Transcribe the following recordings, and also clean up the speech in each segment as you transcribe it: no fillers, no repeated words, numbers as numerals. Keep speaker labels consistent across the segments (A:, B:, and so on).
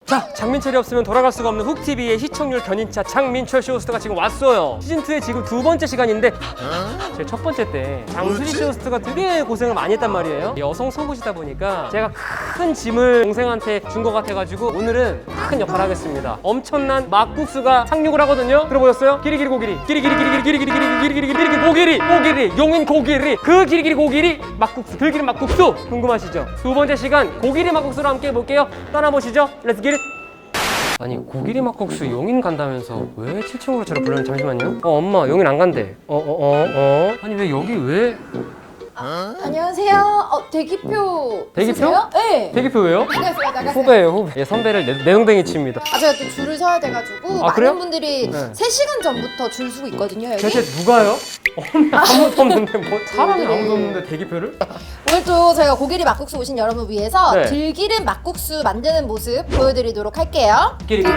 A: 자, 장민철이 없으면 돌아갈 수가 없는 훅TV의 시청률 견인차 장민철 쇼호스트가 지금 왔어요. 시즌2의 지금 2번째 시간인데 제 첫 번째 때 장수지 쇼호스트가 되게 고생을 많이 했단 말이에요. 여성 속옷이다 보니까 제가 큰 짐을 동생한테 준 것 같아가지고 오늘은 큰 역할을 하겠습니다. 엄청난 막국수가 상륙을 하거든요. 들어보셨어요? 기리기리 고기리 기리기리 고기리 용인 고기리 그 기리기리 고기리 막국수 들기름 막국수 궁금하시죠? 두 번째 시간 고기리 막국수로 함께 해볼게요. 떠나보시죠. 렛츠 기릿. 아니 고기리 막국수 용인 간다면서 왜 7층으로 저를 불렀는지 잠시만요. 엄마 용인 안 간대. 아니 왜 여기 왜?
B: 안녕하세요. 대기표.
A: 대기표?
B: 있으세요? 네.
A: 대기표 왜요?
B: 나가세요.
A: 후배예요 후배. 선배를 내동댕이 칩니다.
B: 제가 또 줄을 서야 돼가지고 많은
A: 그래요?
B: 분들이
A: 네.
B: 3시간 전부터 줄 서고 있거든요. 여기.
A: 대체 누가요? 아무도 없는데 뭐 사람이 아무도 없는데 대기표를?
B: 오늘 또 저희가 고기리 막국수 오신 여러분 위해서
A: 네.
B: 들기름 막국수 만드는 모습 보여드리도록 할게요.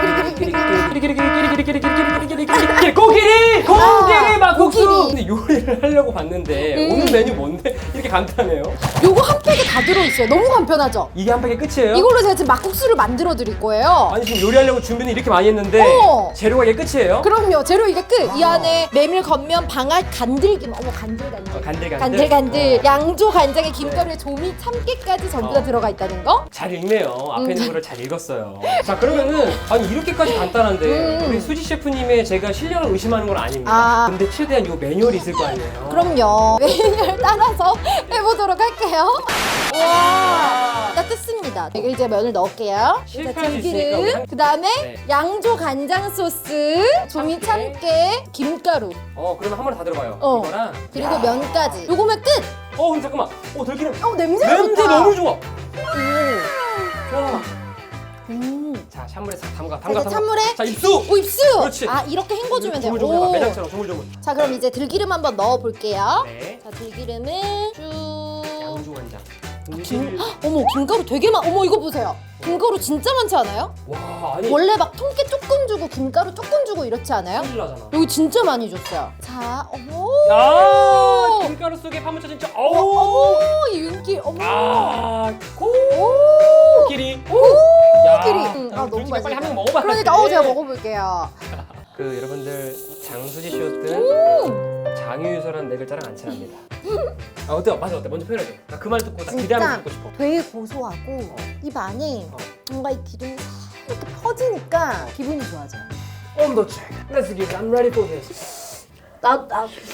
A: 고기리 막국수.
B: 고기리.
A: 근데 요리를 하려고 봤는데 오늘 메뉴 뭔데 이렇게 간단해요?
B: 요거 한 팩에 다 들어있어요. 너무 간편하죠?
A: 이게 한 팩의 끝이에요?
B: 이걸로 제가 지금 막국수를 만들어 드릴 거예요.
A: 아니 지금 요리하려고 준비는 이렇게 많이 했는데 재료가 이게 끝이에요?
B: 그럼요. 재료 이게 끝. 이 안에 메밀, 겉면, 방앗, 간들기. 어머 간들간들. 간들간들. 양조 간장에 김가루에 조미, 참깨까지 전부 다 들어가 있다는 거.
A: 잘 읽네요. 앞에 있는 거를 잘 읽었어요. 자 그러면은 아니 이렇게까지 간단한데 우리 수지 셰프님의 제가 실력을 의심하는 건 아닙니다. 근데 최대한 요 매뉴얼이 있을 거 아니에요?
B: 그럼요. 메뉴를 따라서 해보도록 할게요. 와, 다 뜯습니다. 여기 이제 면을 넣을게요.
A: 실패할 수 있으니까 우리
B: 그 다음에
A: 네.
B: 양조 간장 소스, 조미 참깨, 김가루,
A: 그러면 한 번에 다 들어가요. 이거랑
B: 그리고 면까지. 요거면 끝.
A: 근데 잠깐만. 들기름.
B: 냄새가
A: 냄새
B: 좋다.
A: 너무 좋아.
B: 좋아.
A: 자, 찬물에 싹 담가.
B: 이제 찬물에.
A: 자, 입수.
B: 오, 입수.
A: 그렇지.
B: 이렇게 헹궈주면 돼요.
A: 조물조물 해봐.
B: 오.
A: 매장처럼 조물조물.
B: 자, 그럼 이제 들기름 한번 넣어볼게요.
A: 네.
B: 자, 들기름을 쭉.
A: 양조 간장.
B: 어머, 김가루 되게 어머, 이거 보세요. 김가루 진짜 많지 않아요?
A: 와, 아니.
B: 원래 막 통깨 조금 주고 김가루 조금 주고 이렇지 않아요?
A: 큰일 나잖아.
B: 여기 진짜 많이 줬어요. 자, 어머.
A: 야, 김가루 속에 파묻혀 진짜.
B: 어머, 이 윤기. 어머.
A: 코끼리.
B: 코끼리. 너무 맛있다.
A: 빨리 한 명 먹어봐.
B: 그러니까 제가 먹어볼게요.
A: 여러분들 장수지 쇼든 장유유서라는 네 글자랑 안 친합니다. 어때요? 맛이 어때? 먼저 표현해줘. 나 그 말 듣고 나 기대하면서 듣고 싶어.
B: 되게 고소하고 입 안에 뭔가 이 기름이 이렇게 퍼지니까 기분이 좋아져요.
A: 온도 체크. Let's get it. I'm ready for this.
B: 나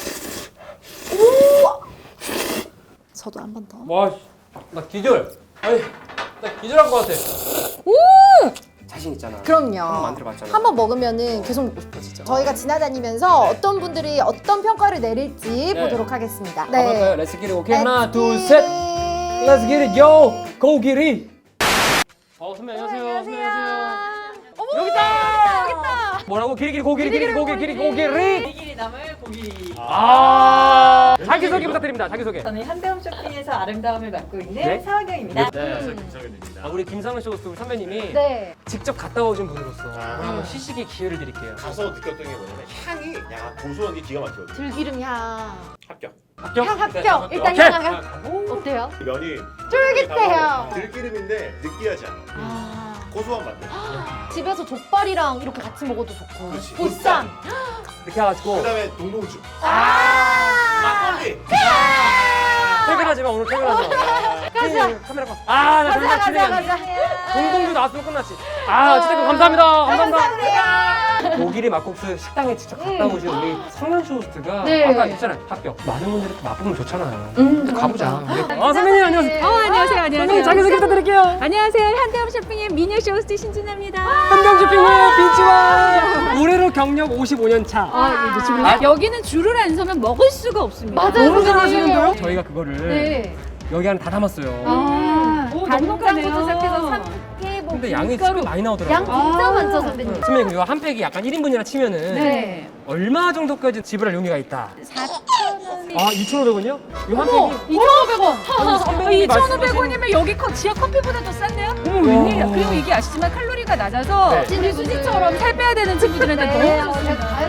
B: 저도 한 번 더.
A: 와, 나 기절. 아니, 나 기절한 것 같아. 자신 있잖아.
B: 그럼요.
A: 한번 만들어봤잖아.
B: 한번 먹으면은 계속 먹고 싶어지죠. 저희가 지나다니면서 어떤 분들이 어떤 평가를 내릴지
A: 네.
B: 보도록 하겠습니다.
A: 가볼까요? Let's get it. 오케이. 하나, 둘, 셋. Let's get it. Yo, 고기리. 선배 안녕하세요. 안녕하세요.
B: 어머,
A: 여기 있다.
B: 여기 있다.
A: 뭐라고? 기리기리 고기리 고기리.
C: 고기리 남을 고기리.
A: 자기소개 부탁드립니다. 자기소개.
C: 저는 현대홈 쇼핑에서 아름다움을 맡고 있는
A: 네?
C: 서은경입니다.
D: 네, 안녕하세요. 김성현입니다.
A: 우리 김상훈 쇼호스트 우리 선배님이
B: 네.
A: 직접 갔다 오신 분으로서 오늘 한번 시식의 기회를 드릴게요.
D: 가서 느꼈던 게 뭐냐면 향이 고소한 게 기가 막히거든요.
B: 들기름 향.
D: 합격.
A: 합격?
B: 향 합격. 일단
A: 오케이.
B: 향. 어때요?
D: 면이
B: 쫄깃해요.
D: 들기름인데 느끼하지 않아. 고소한 맛.
B: 집에서 족발이랑 이렇게 같이 먹어도 좋고.
D: 그렇지.
B: 보쌈.
A: 이렇게 해가지고
D: 그다음에 동동주. 막걸리.
A: 퇴근하지 마. 오늘 퇴근하지 마. 가자. 카메라 봐. 나 정말 진행한다. 동동주 나왔으면 끝났지. 어쨌든 감사합니다. 감사합니다. 고기리 막국수 식당에 직접 갔다 오신 우리 성현 쇼호스트가
B: 네.
A: 아까 있잖아요. 합격. 많은 분들이 또 맛보면 좋잖아요. 가보자. 선배님 안녕하세요.
E: 안녕하세요.
A: 선배님 자기소개 부탁드릴게요.
E: 안녕하세요. 현대홈 쇼핑의 미녀 쇼호스트 신진아입니다.
A: 한강쇼핑의 빈치와 올해로 경력 55년 차.
E: 여기는 줄을 안 서면 먹을 수가 없습니다.
B: 맞아요.
A: 너무 잘하시는데요? 저희가 그거를
B: 네.
A: 여기 안에 다 담았어요.
E: 간장부터
B: 시작해서 삼계 뭐
A: 근데 양이
B: 김가루.
A: 꽤 많이 나오더라고요.
B: 양 진짜 많죠, 선배님.
A: 선배님 이거 한 팩이 약간 1인분이라 치면은
E: 네.
A: 얼마 정도까지 지불할 용의가 있다?
E: 4,000원.
A: 2,500원이요? 이 한
B: 어머,
A: 팩이
B: 2,500원.
A: 선배님이
E: 2,500원이면 여기 지하 커피보다 더 쌌네요? 어머 웬일이야. 그리고 이게 아시지만 칼로리가 낮아서
A: 네.
E: 우리 수지처럼 살 빼야 되는 친구들한테 너무 좋습니다.